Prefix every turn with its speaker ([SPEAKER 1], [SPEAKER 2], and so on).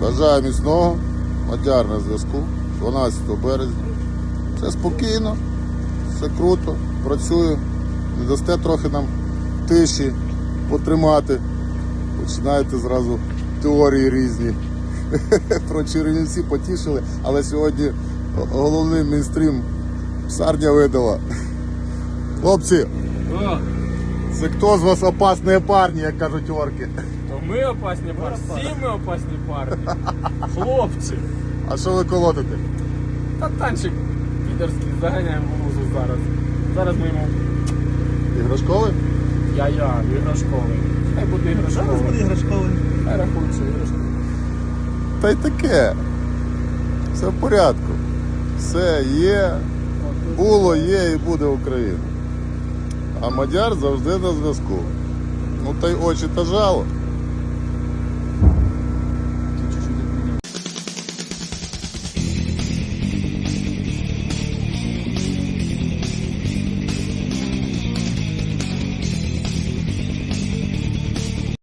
[SPEAKER 1] Бажаю міцного. Мадяр на зв'язку. 12 березня. Все спокійно, все круто, працюю. Не дасте трохи нам тиші потримати. Починаєте зразу теорії різні. Про Чернівці потішили, але сьогодні головний мейнстрім псарня видала. Хлопці, це хто з вас опасні парні, як кажуть орки?
[SPEAKER 2] То ми опасні парні, всі ми опасні парні. Хлопці.
[SPEAKER 1] А що ви колотите?
[SPEAKER 2] Та танчик підерський, заганяємо в лузу зараз. Зараз ми йому
[SPEAKER 1] Іграшковий?
[SPEAKER 2] іграшковий. Хай буде іграшковий.
[SPEAKER 3] Зараз буде іграшковий.
[SPEAKER 2] Хай рахується іграшковий.
[SPEAKER 1] Та й таке. Все в порядку. Все є, було, є і буде Україна. А Мадяр завжди на зв'язку. Ну та й очі та жало.